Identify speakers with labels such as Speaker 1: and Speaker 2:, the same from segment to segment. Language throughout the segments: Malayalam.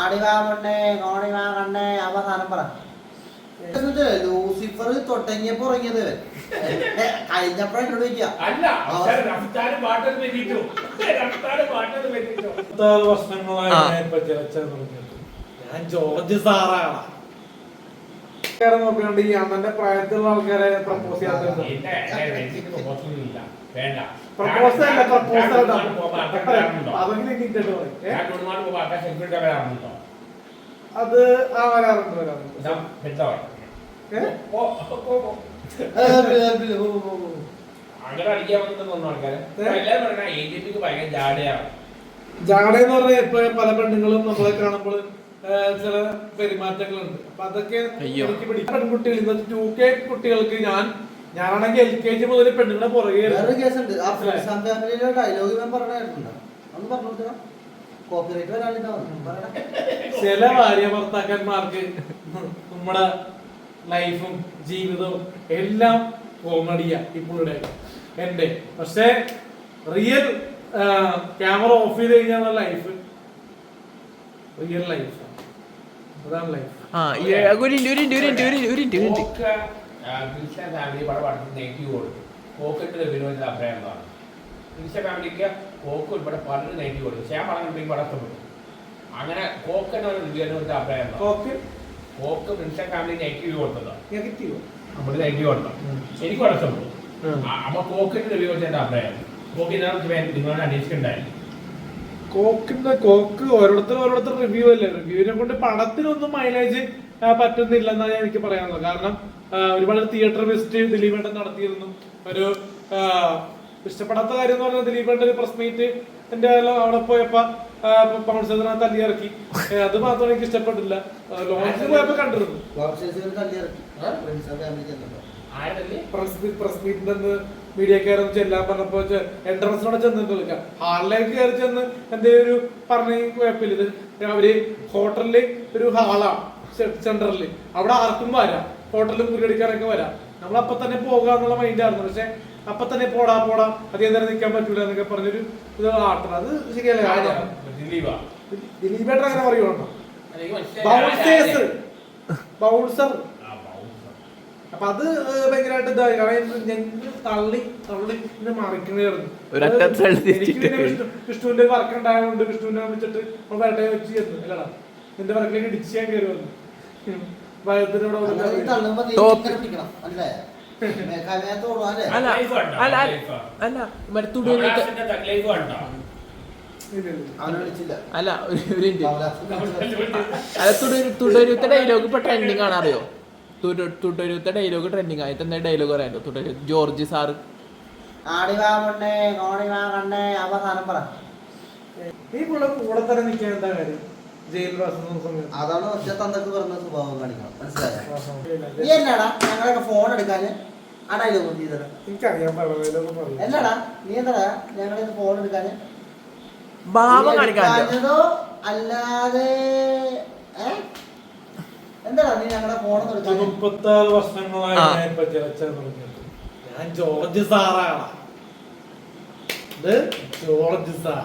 Speaker 1: ആടിവാമണ്ണേ കോണിവാ കണ്ണേ അവസാനം പറ. ലൂസിഫർ തൊട്ടങ്ങിയപ്പോ ഉറങ്ങിയത് കഴിഞ്ഞപ്പോഴ എന്നോട് ചോദിക്കാം.
Speaker 2: ഞാൻ ജോർജ് സാറാണ് നോക്കണ്ട്. ഈ അമ്മന്റെ പ്രായത്തിലുള്ള ആൾക്കാരെ പ്രപ്പോസ് ചെയ്യാത്ത അത് വരാറുണ്ട്. ജാടയെന്ന് പറഞ്ഞാൽ ഇപ്പൊ പല പെണ്ണുങ്ങളും നമ്മളെ കാണുമ്പോൾ ചില പെരുമാറ്റങ്ങളുണ്ട്. അപ്പൊ അതൊക്കെ എനിക്ക് പിടിക്കും. പെൺകുട്ടികൾ ഇന്നത്തെ 2K കുട്ടികൾക്ക് ഞാനാണെങ്കിൽ LKG മുതൽ പെണ്ണുങ്ങളെ പുറകെ ചില ഭാര്യ ഭർത്താക്കന്മാർക്ക് നമ്മുടെ ലൈഫും ജീവിതവും എല്ലാം കോമഡിയാ ഇപ്പോഴുടെ എന്റെ. പക്ഷെ റിയൽ ക്യാമറ ഓഫ് ചെയ്ത് കഴിഞ്ഞാൽ ലൈഫ് റിയൽ ലൈഫ്. അതാണ് ലൈഫ്.
Speaker 3: കോക്ക് ഉൾപ്പെടെ പലരും നെഗറ്റീവ് കൊടുക്കും. പക്ഷേ ഞാൻ പറഞ്ഞിട്ടുണ്ടെങ്കിൽ വളരെ ഇഷ്ടപ്പെട്ടു. അങ്ങനെ കോക്കിന് ഒരു റിവ്യൂവിന് അഭിപ്രായം കോക്ക് പ്രിൻസ ഫാമിലി നെഗറ്റീവ് കൊടുത്തതാണ്. നമ്മൾ നെഗറ്റീവ് കൊടുത്തത് എനിക്ക് വളരെ ഇഷ്ടപ്പെട്ടു. അപ്പൊ കോക്കിന്റെ റിവ്യൂ വെച്ചതിന്റെ അഭിപ്രായം നിങ്ങളോട് അന്വേഷിച്ചിട്ടുണ്ടായിരുന്നു.
Speaker 2: കോക്ക് ഓരോരുത്തർ റിവ്യൂ അല്ലേ. റിവ്യൂവിനെ കൊണ്ട് പടത്തിനൊന്നും മൈലേജ് പറ്റുന്നില്ലെന്നാണ് എനിക്ക് പറയാനുള്ളത്. കാരണം ഒരുപാട് തിയേറ്റർ വിസിറ്റ് ദിലീപേട്ടൻ നടത്തിയിരുന്നു. ഒരു ഇഷ്ടപ്പെടാത്ത കാര്യം എന്ന് പറഞ്ഞാൽ ദിലീപേട്ടൻ ഒരു പ്രസ് മീറ്റ് എന്റെ അവിടെ പോയപ്പോ പൗൺസേതിനെ തല്ലി ഇറക്കി. അത് മാത്രം എനിക്ക് ഇഷ്ടപ്പെട്ടില്ല. ലോഞ്ചിൽ പോയപ്പോ കണ്ടിരുന്നു. പ്രസ് മീറ്റിന്റെ മീഡിയക്കാരൊന്നും ചെല്ലാൻ പറഞ്ഞപ്പോ എൻട്രൻസിനോടെ ചെന്ന് വിളിക്കാം. ഹാളിലേക്ക് കയറി ചെന്ന് എന്തെങ്കിലും ഒരു പറഞ്ഞ കുഴപ്പമില്ല. ഇത് അവര് ഹോട്ടലില് ഒരു ഹാളാണ് സെന്ററിൽ. അവിടെ ആർക്കും വരാം. ഹോട്ടലിൽ മുറിയടിക്കാനൊക്കെ വരാം. നമ്മളപ്പൊ തന്നെ പോകുക എന്നുള്ള മൈൻഡായിരുന്നു. പക്ഷെ അപ്പൊ തന്നെ പോടാ അധികം നേരം നിൽക്കാൻ പറ്റൂല എന്നൊക്കെ പറഞ്ഞൊരു ഇത് ആട്ടണം. അത് ശരിയല്ല. ദിലീപേട്ടൻ അങ്ങനെ പറയുവാണോ? ബൗൺസർ. അപ്പൊ അത് ഭയങ്കരമായിട്ട് ഇതായി. തള്ളി മറിക്കണായിരുന്നു. വിഷ്ണുവിന്റെ വർക്ക് ഉണ്ടായതുകൊണ്ട് വിഷ്ണുവിനെ വെച്ചിട്ട് വേട്ടയെ വെച്ച് ചെന്നു. അല്ലടാ നിന്റെ വർക്കിലേക്ക് ഇടിച്ച് ഞാൻ കയറി വന്നു.
Speaker 4: തുടരുത്ത ഡയലോഗ് ഇപ്പൊ ട്രെൻഡിങ് ആണ്. അറിയോ? തുടരുത്ത ഡയലോഗ് ട്രെൻഡിങ് ആയിട്ട് എന്താ ഡയലോഗ് പറയാനോ? തുടരും ജോർജ് സാറ്
Speaker 1: അവസാനം പറ.
Speaker 2: ഈ കൂടെ തന്നെ നിൽക്കാൻ എന്താ കാര്യം?
Speaker 1: അതാണ് ഒറ്റ തന്തക്ക് പറഞ്ഞ സ്വഭാവം കാണിക്കണം. മനസ്സിലായോ? നീ എന്നാടാ ഞങ്ങളൊക്കെ ഫോൺ എടുക്കാന് ആ ഡയലോഗ് ചെയ്തത്? എന്നടാ നീ എന്താടാ ഞങ്ങളെ ഫോൺ എടുക്കാന് കാണിച്ചതോ അല്ലാതെ എന്താടാ നീ ഞങ്ങളുടെ ഫോണൊന്നും എടുക്കാൻ?
Speaker 2: 36 വർഷങ്ങളായി ഞാൻ ജോർജ് സാറാണ്. ജോർജ് സാർ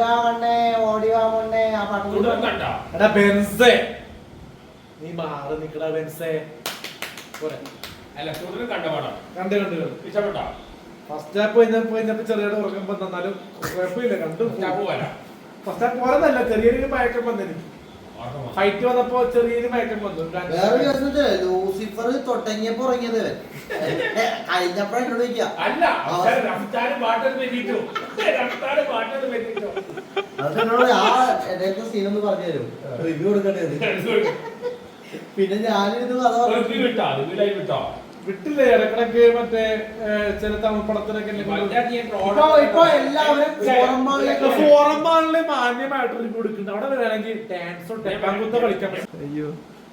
Speaker 2: ബെൻസേ നീ മാറി നിക്കടാ ബെൻസേ. ഫസ്റ്റ് ഹാഫ് കഴിഞ്ഞപ്പോ ചെറിയ ഉറക്കം വന്നാലും കുഴപ്പമില്ല. കണ്ടു. ഫസ്റ്റ് ഹാഫ് പോലെന്നല്ല, ചെറിയൊരു മയക്കം വന്നെനിക്ക്. ഫൈറ്റ് വന്നപ്പോ ചെറിയൊരു മയക്കം വന്നു.
Speaker 1: ലൂസിഫർ തൊട്ടങ്ങിയപ്പോ ഉറങ്ങിയത് കഴിഞ്ഞപ്പോഴ എന്നോട് ചോദിക്കാം. അതെന്നോട് ആ സീനൊന്ന് പറഞ്ഞു തരും. റിവ്യൂ കൊടുക്കേണ്ടി. പിന്നെ ഞാനിരുന്നു
Speaker 2: വിട്ടില്ലേ ഇടക്കിടക്ക് മറ്റേ ചില തമിഴ് പടത്തിനൊക്കെ
Speaker 1: ഇപ്പൊ എല്ലാവരും
Speaker 2: ഫോറം മാളില് മാന്യമായിട്ട് റിവ്യൂ കൊടുക്കുന്നുണ്ട്. അവിടെ വരികയാണെങ്കിൽ ഡാൻസോ ടെപ്പാങ്കുത്ത കളിക്കാൻ പറ്റും.
Speaker 4: അയ്യോ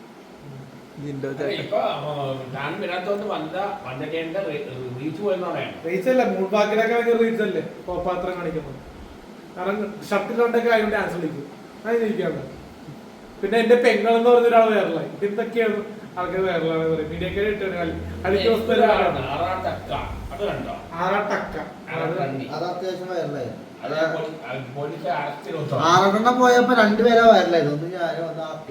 Speaker 2: റീച്ചല്ല, മൂൾബാക്കിലൊക്കെ ഭയങ്കര റീച്ചല്ലേ കോപ്പാത്രം കാണിക്കുന്നത്. കാരണം ഷർട്ടിലുണ്ടൊക്കെ ആയതുകൊണ്ട് ഡാൻസ് കളിക്കും. അത് ജയിക്കാണ്. പിന്നെ എന്റെ പെങ്ങൾ എന്ന് പറഞ്ഞ ഒരാൾ വേറലായി. എന്തൊക്കെയാണ് ആൾക്കാർ വേറലാണ് പറയും. മീഡിയക്കാർ ഇട്ടാണ് അടിക്ക്
Speaker 1: അത് അത്യാവശ്യം വൈറലായി.
Speaker 3: പോലീസ് അറസ്റ്റ് ചെയ്തു.
Speaker 1: 6 പോയപ്പോ 2 പേരാ വയറിലായിരുന്നു. ഒന്ന് ഞാനും ഒന്ന് ആക്കി.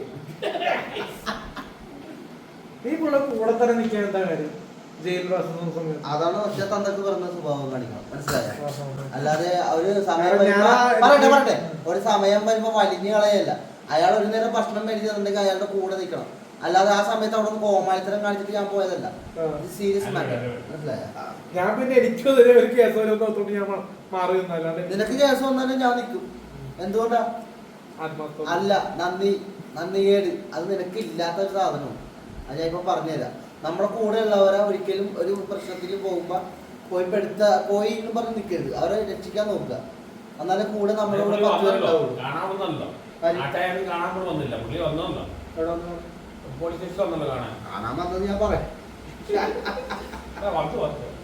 Speaker 2: ഈ പുള്ള കൂടെ തന്നെ നിൽക്കാൻ എന്താ കാര്യം? ജയിൽ വാസം സമയത്ത്
Speaker 1: അതാണ് ഒറ്റ തന്തക്ക് പറഞ്ഞ സ്വഭാവം കാണിക്കണം, മനസ്സിലായോ? അല്ലാതെ ഒരു സമയം
Speaker 2: ഞാൻ-
Speaker 1: പറയട്ടെ ഒരു സമയം വരുമ്പോ വലിഞ്ഞു കളയല്ല. അയാൾ ഒരു നേരം ഭക്ഷണം മേടിച്ച് തന്നിട്ടുണ്ടെങ്കിൽ അയാളുടെ കൂടെ നിൽക്കണം. അല്ലാതെ ആ സമയത്ത് അവിടെ നിന്ന് കോമാളിത്തരം കാണിച്ചിട്ട് ഞാൻ പോയതല്ല. ഇത് സീരിയസ് മാറ്റർ, മനസ്സിലായോ?
Speaker 2: ഞാൻ പിന്നെ എനിക്കെതിരെ ഒരു കേസ് വരുന്നോട്ട് ഞാൻ മാറി നിന്നല്ലാണ്ട്
Speaker 1: നിനക്ക് കേസ് വന്നാലും ഞാൻ നിൽക്കും. എന്തുകൊണ്ടാ?
Speaker 2: ആത്മാർത്ഥം
Speaker 1: അല്ല, നന്ദികേട് അത് നിനക്ക് ഇല്ലാത്ത ഒരു സാധനമാണ്. അത് ഞാൻ ഇപ്പൊ പറഞ്ഞുതരാം. നമ്മുടെ കൂടെ ഉള്ളവരെ ഒരിക്കലും ഒരു പ്രശ്നത്തിൽ പോകുമ്പോ പോയി എന്ന് പറഞ്ഞ് നിൽക്കരുത്. അവരെ രക്ഷിക്കാൻ നോക്കുക. എന്നാലും കൂടെ നമ്മുടെ കൂടെ 10 പേരുണ്ടാവുള്ളൂ.
Speaker 3: കാണാൻ വന്നല്ലോ, നാട്ടുകാരും കാണാൻ കൂടെ വന്നില്ല. പുള്ളി വന്നല്ലോ, പോലീസ് സ്റ്റേഷൻ വന്നല്ലോ കാണാൻ.
Speaker 1: കാണാൻ വന്നത് ഞാൻ പറയാം.
Speaker 3: വന്നു